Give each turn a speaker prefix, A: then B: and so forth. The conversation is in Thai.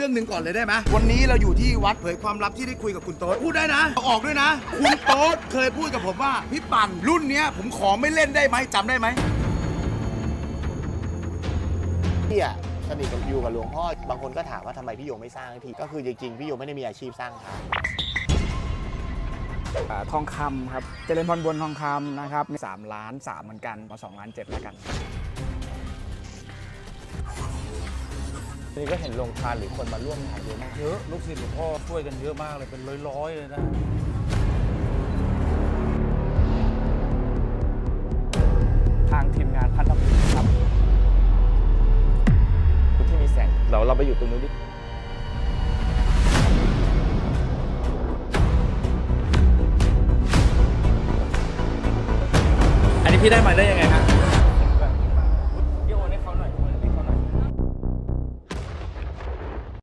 A: เรื่องหนึ่งก่อนเลยได้ไหมวันนี้เราอยู่ที่วัดเผยความลับที่ได้คุยกับคุณโต๊ดพูดได้นะออกด้วยนะคุณโต๊ดเคยพูดกับผมว่าพี่ปั่นรุ่นเนี้ยผมขอไม่เล่นได้ไหมจำได้ไหม
B: พี่อะสนิทกับอยู่กับหลวงพ่อบางคนก็ถามว่าทำไมพี่โยไม่สร้างทีก็คือจริงๆพี่โยไม่ได้มีอาชีพสร้างพระ
C: ทองคำครับเจริญพรบนทองคำนะครับ3 ล้าน 3เหมือนกันมา2 ล้าน 7แล้วกัน
D: นี่ก็เห็นโรงทานหรือคนมาร่วมงานเยอะมากเยอะลูกศิษย์หลวงพ่อช่วยกันเยอะมากเลยเป็นร้อยๆเลยนะ
C: ทางทีมงานพัฒนาครับที่มีแสงเราไปอยู่ตรงนู้นดิอันนี้พี่ได้มาได้ยังไงฮะ